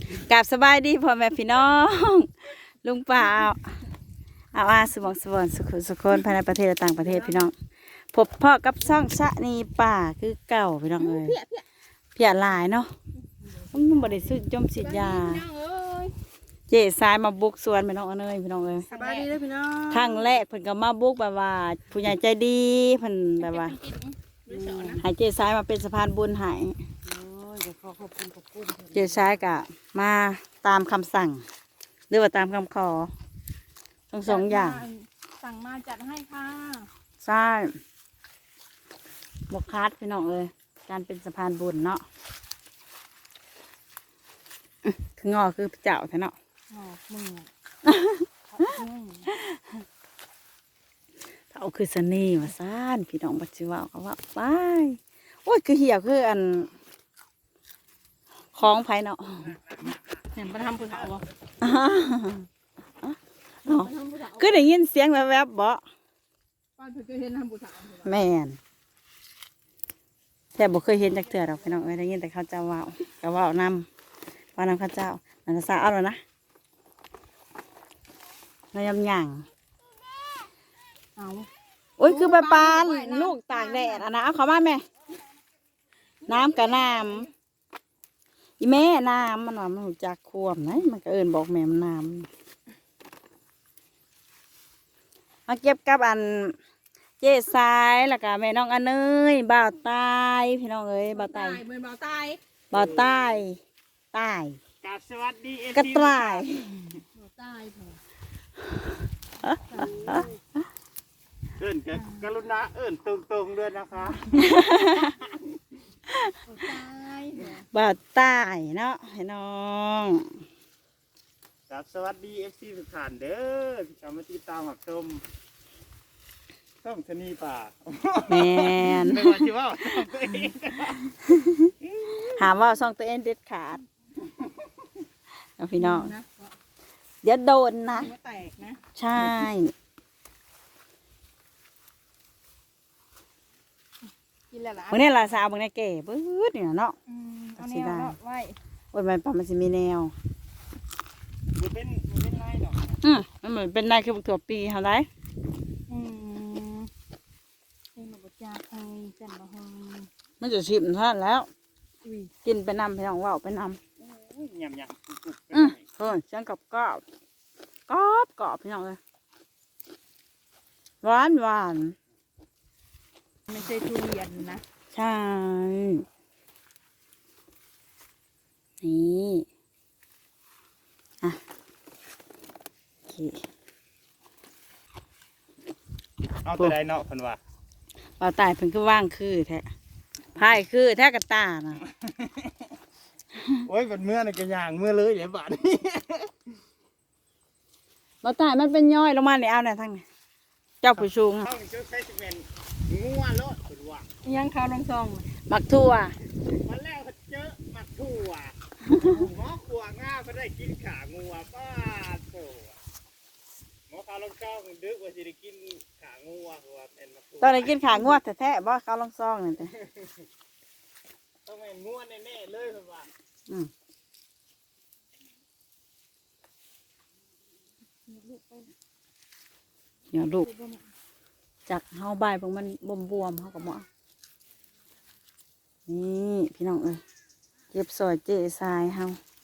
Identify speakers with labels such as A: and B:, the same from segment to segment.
A: กราบสบายดีพ่อแม่พี่น้องลุงป่าเอาสมองสวรรค์สุขคนภายในประเทศและต่างประเทศพี่น้องพบพ่อกับช่องชะนีป่าคือเก่าพี่น้องเลยเพียหลายเนาะมันบริสุทธิ์จมสิทยาเจ๊สายมาบุกสวนพี่น้องเอ้ยพี่น้องเอ้ย
B: สบายดีเลยพี่น้อง
A: ครั้งแรกเพิ่นก็มาบุกแบบว่าผู้ใหญ่ใจดีเพิ่นแบบว่าให้เจ๊สายมาเป็นสะพานบุญให้
B: ขอบคุณ
A: เจ๊สายก็มาตามคำสั่งหรือว่าตามคำขอทั้งสองอย่าง
B: สั่งมาจัดให้ค่ะ
A: ใช่บกคัดพี่น้องเลยการเป็นสะพานบุญเนาะคืองอคือเจ้าแท้เนาะ
B: หมอกมือ
A: เอาคือสนีมาซ่านพี่น้องบัจจิว่าเขาว่าไปโอ้ยคือเหี่ยวคืออันคล้องไผ่เนาะ
B: เห็นประทำผู้สาวบ่
A: คือได้ยินเสียงแวบๆบ่
B: ป้าเธอเคยเห็นทำผู้สาว
A: แม่นแต่บ่เคยเห็นจากเถื่อดอกพี่น้องเอ้ยได้ยินแต่เขาเจ้าว่าวก็ว่านำว่านำข้าเจ้านันทราเอาแล้วนะนายำหยั่ง
B: เอา
A: โอ้ยคือปลาปานลูกตากแดดอ่ะนะเอาเขามาแม่น้ำกับน้ำอีแม่น้ำมันว่ามันรู้จักควมนะมันก็เอิญบอกแม่มันน้ำมาเก็บกับอันเจ๊สายแล้วก็แม่น้องอันเนยบ่าวตายพี่น้องเอ้ยบ่าวตาย
B: เหมือนเบาตาย
A: บ่าวตายตาย
C: กราบสวัสดี
A: กระต่าย
B: เบาตายพอ
C: เอิ้นกรุณาเอิ้นตรงๆด้วยนะคะ
B: เบาตาย
A: บ่าวตายเนาะพี่น้อง
C: กราบสวัสดีFC ทุกท่านเด้อที่เข้ามาติดตามรับชมช่องชะนีป่า
A: แม่น
C: ไม่ว่าสิว่าช่องตัวเอง
A: ถามว่าซ่องตัวเองเด็ดขาดเอาพี่น้อง
B: นะ
A: เดี๋ยวโดนนะ
B: หัวแตกนะ
A: ใช่
B: กินแล้วล่ะ
A: วันนี้ลาซาบางในเก๋ปื๊ดเนี่ยเนาะ
B: เอาแนวเลาะไว้
A: โอ้ยมันปะมันจะมีแนว
C: มันเป็นไรดอก
A: มันเหมือนเป็นนายคือบุกถั่วปีเท่าไร
B: เป็นหมูจ่าไอ้จันบะฮง
A: มันจะชิมท่านแล้ว
B: อุ้ย
A: กินไปนำพี่น้องว่าวไปน
C: ยำกุก
A: ำเฮ้ยเสียงกรอบกรอบพี่น้องเลยหวาน
B: ไม่ใช่ทุเรียนนะ
A: ใช่นี่อ่ะโอเค
C: เอาตัวใดเนาะเพิ่นว่า
A: เปล่าตายเพิ่นคือว่างคือแท้พายคือแท้กระตาน่ะ
C: โอ้ยเป็นเมื่อนี่ก็ย่างเมื่อเลยเดี๋ยวบาดนี้
A: เปล่าตายมันเป็นย่อยลงมาเนี่ยเอาเนี่ยทั้งนี้เจ้าผู้ชุง
C: ช่องชุดไฟสิเมนงัวโลดเพิ่นว่า
B: ยังข้าวลงซอง
A: บักทั่ว
C: วันแรกเขาเจอหมักถั่วหมอขัวง่าก็ได้กินขางัวป้าโถหมอข้าวลงเก้าดึกว่าจะได้กินขางัวหัวเป็นหมักถั่ว
A: ตอนนี้กินขางวดแท้ๆบ่เขาลองซองนี่แต่
C: ต้องเป็นงัวแน่ๆเลยเพิ่นว่า
A: เดี๋ยวลูกจากเฮาใบายพวกมันบวมๆเฮากับหมอนี่พี่น้องเอ้ยเก็บซอยเจ๊ทรายเฮา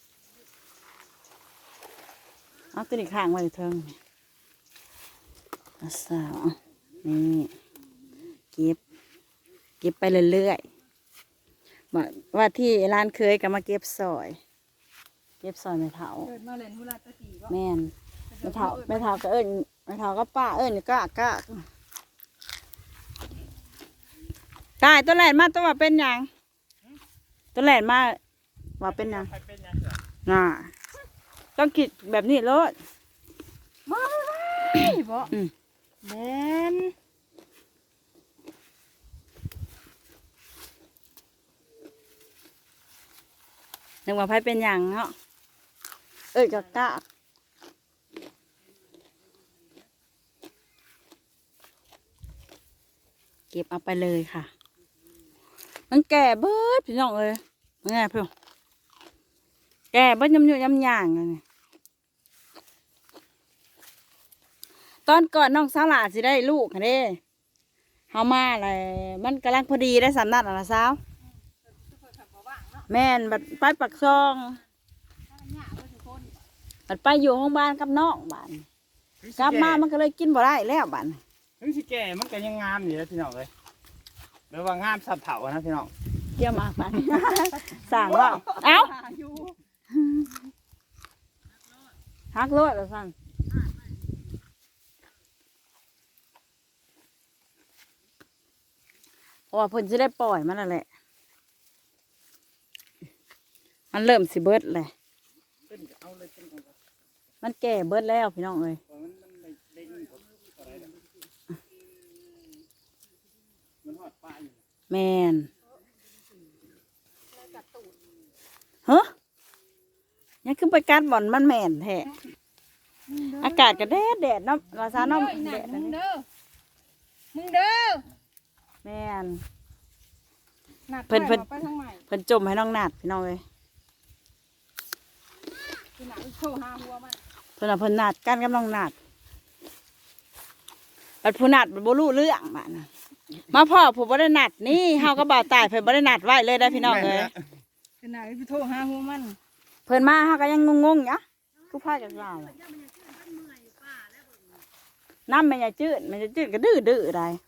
A: เอาตัวนี้ข้างไว้เทิงเอาสาวนี่เก็บไปเรื่อยๆว่าที่ร้านเคยก็มาเก็บซอยไม่เถา
B: เกิดมาเล่นหุลาตะกี้บ่
A: แม่นไม่เถาก็เอิญไม่เถาก็ป้าเอิญก็ตายตัวแหลนมาตัวว่าเป็นหยังตัวแหลนมาว่าเป็นหยัง
C: ใครเป็นยังไง
A: น่ะต้องคิดแบบนี้เลย
B: มาเลยบ่แม่น
A: นึกว่าไผเป็นหยังเนาะเอิญก็กะเก็บเอาไปเลยค่ะ มันแก่เบิดพี่น้องเลยมันไงพี่แก่เบิ้ลยำยำย่างเลยตอนก่อนน้องสาวหลาสิได้ลูกค่ะเด้เฮามาเลยมันกำลังพอดีได้สำนักนะสาวแม่นบัดไปปักซองบัดไปอยู่ห้องบ้านกับน้องบ้านกลับมามันก็เลยกินบ่ได้แล้วบ้าน
C: ถึงสิแก่มันก็ยังงามอยู่นะพี่น้องเลยหรือว่างามสับเถานะพี่น้อง
A: เกี่ยวมากบ้าน สั่งว่าเอ้าฮักรถเหรอสั่งเพราะว่าเพิ่นจะได้ปล่อยมันนั่นแหละมันเริ่มสิเบิดเลย
C: เอาเลยเป็นของ
A: มันแก่เบิดแล้วพี่น้องเอ้ย
C: มันเด้งอะไรนะมันหอดปลาอยู่
A: แมนเฮ้ยยังขึ้นไปกัดบ่อนมันแมนแท้อากาศก็แดดเนาะภาษาเนาะแดด
B: มึงเด้อมึงเด้อ
A: แมน
B: เพิ่นไปทางใหม่
A: เพิ่นจมให้น้องนาดพี่น้องเอ้ย
B: คือหนังโชว์หาหัวมัน
A: เพิ่นน่ะเพิ่นนาดกันกับน้องนาดบัดผู้นาดบัดบ่รู้เรื่องบ้านะมาพ่อผู้บ่ได้นัดนี่เฮาก็บ่าวตายเพิ่นบ่ได้นัดไว้เลยได้พี่น้องเอ้ย
B: คือหนังไปโทรหาหัวมัน
A: เพิ่นมาเฮาก็ยังงงๆอยู่คือพาจากเราอะน้ำแม่ยายจืดแม่ยายจืดก็ดื้อๆได้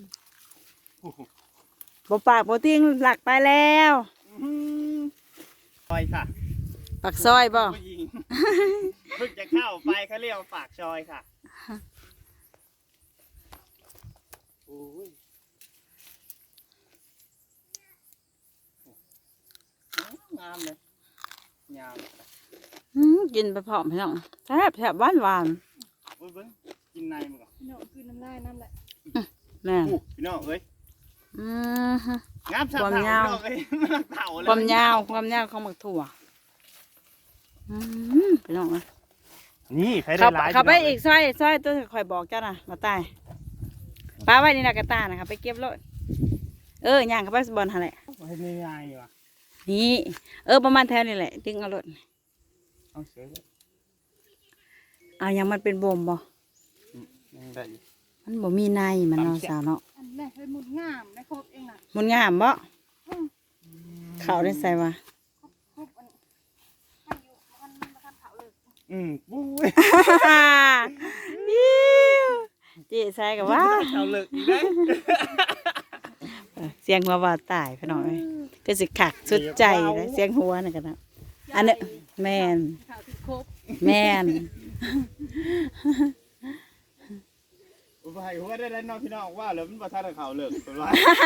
A: บ่ปากบ่ติ้งหลักไปแล้ว
C: ซอยค่ะ
A: ปากซอยบ่
C: ผู้หญิงเพิ่งจะเข้าไปเขาเรียกว่าปากซอยค่ะโอ้ยงามเลยงาม
A: กินไปพร้อมพี่น้องแซ่บหวาน
C: โอ้ยเบิ้งกินในมันก่อน
B: พี่น้องคือน้ำลายน้ำแหละ
A: ๆแม่น
C: พี่น้องเอ้ย
A: อือฮึ
C: งามสับ
A: ความ
C: เถาย
A: าว
C: พี่น้องเอ้ยมันเถาเลย
A: ความยาวของหมักถั่วพี่น้องเอ้ย
C: นี่ใครได้หลาย
A: เข้าไปอีกซอยตัวคอยบอกเจ้าน่ะมาตายป้าไว้นี่นะกระตานะคะไปเก็บรถย่างเข้าไปบอลหั่นแหละ
C: ให้ไม่ง่ายว่ะ
A: นี่ประมาณแถวนี่แหละดึงเอารถ
C: เอาเสือเลย
A: เอายังมันเป็นบ่มบ่
C: ยังได้อยู่
A: มันบ่มีในมันเนาะสาวเนาะ
B: อันนี้เป็นหมุดงามได้ครบเองน่ะ
A: มันงามบ่เขาได้ใส่ว่า
B: ครบอันให้อยู่มันมาทำเผาเลย
C: ปุ้ย
A: เจ๊ใส่กับว่า
C: เถาเลิกอีกได้
A: เสียงหัวว่าตายพี่น้องเอ้ยก็สิขักสุดใจเลยเสียงหัวนี่กันนะอันนี้แม่น
B: เผาติดครบ
A: แม่น
C: อุปหัยหัวได้แล้วน้องพี่น้องว่าแล้วมันบ่ทันได้เข่าเลิกเป็นว่า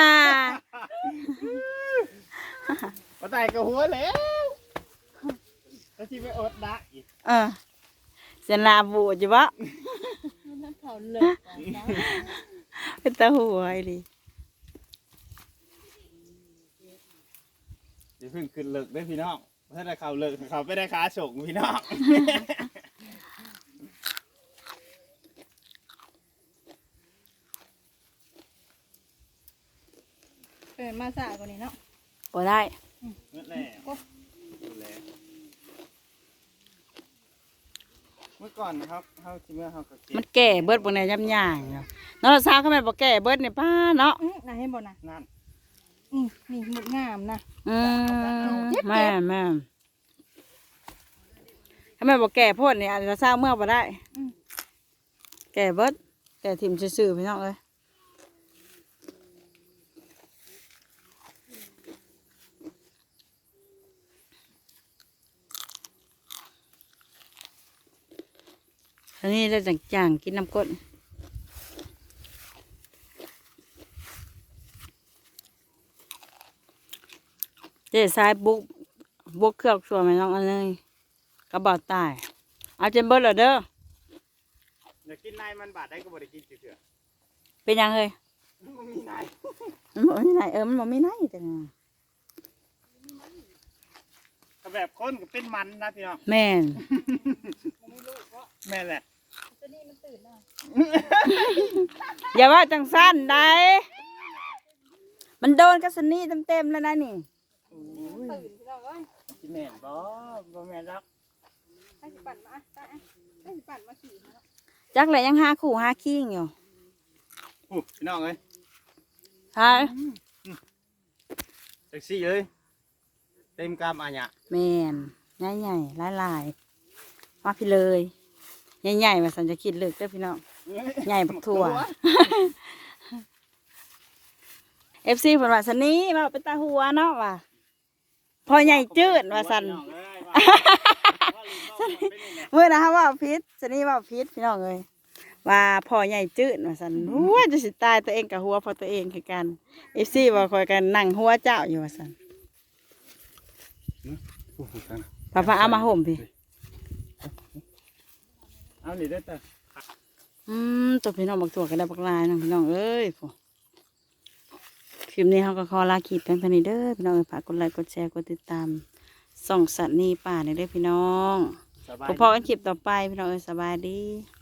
C: บ่ตายกับหัวแล้วแล้วที่ไปอดดักอีก
A: เสียนลาบูดอยู่บ่
B: มันเผาเลย
A: เป็นตาหัวไอ้ดิ
C: อย่าเพิ่งขึ้นเลิกได้พี่น้องถ้าได้เข่าเลิกเขาไปได้ขาฉกพี่น้อง
B: มาสายกว่านี้เนาะ
A: บ่ได้
C: นั่นแหละดูแลเมื่อก่อนนะครับเขาที่เมื่อเขาก็เก็
A: มั
C: บ
A: นแก่เบิดบ่ในย่ำย่างเนาะน้องสาวเขาแม่นบ่แก่เบิดนี่ป้าเนาะ
B: น่าให้บ่นะ
C: นั่น
B: นี่หมุดงามนะ
A: แม่ถ้าแม่บ่แก่โพดนี่อาจจะสร้างเมื่อบ่ได้แก่เบิดแก่ถิ่มซื่อๆพี่น้องเอ้ยอันนี้ได้จังๆกินน้ำก้นเจ๊สายบุกเครื่องส่วนไหมน้องอันนี้กระบอกตายเอาเจมเบิร์ดเหรอเด้อ
C: อยากกินนายมันบาดได้ก็บ่ได้กินเถื่อ
A: เป็นยังเฮ้ย
C: มันมีนาย
A: มันบอกมีไหนมันบอกมีไหนแต่ไง
C: ก็แบบคนก็เป็นมันนะพี่น้อง
A: แม่น
C: แม่นแหละ
B: ตัวนี้มันตื่นนะ
A: อย่าว่าจังสั้นได้มันโดนกระสนีเต็มๆแล้วนะนี่
B: ตื่นพี่น้องเอ้ย
C: สิแม่นบ่แม่นรัก
B: ให้สิปั่นมาได้ให้สิปั่นมาขี่มา
A: จักแหละยังหาคู่หาคิงอยู่
C: อู้พี่น้องเอ้ย
A: ฮะ
C: แท็กซี่เอ้ยเต็มกามอาญะ
A: แม่นใหญ่ๆหลายๆมาพี่เลยใหญ่ๆว่าสันจะคิดเลิกเด้อพี่น้องใหญ่บักถั่ว FC เพิ่นว่าสันนี้ว่าเป็นตาหัวเนาะว่าพอใหญ่จืดว่าสัน เมื่อนะฮะว่าพิษสันนี้ว่าพิษพี่น้องเอ้ยว่าพอใหญ่จืดว่าสันหัวจะสิตายตัวเองกับหัวพอตัวเองคือกัน FC ว่าคอยกันนั่งหัวเจ้าอยู่ว่าสันป้าเอามาห่มพี่
C: เอาหนีได้แต่
A: ตัวพี่น้องบักถั่วกันได้บักลายน้องพี่น้องเอ้ยพอคลิปนี้เขาก็ขอลาคลิปเป็นพันนี้เด้อพี่น้องเอ้ยฝากกดไลค์กดแชร์กดติดตามส่องสัตว์นี่ป่าเนี่ยเด้อพี่น้อง
C: สบาย
A: พบกันคลิปต่อไปพี่น้องเอ้ยสบายดี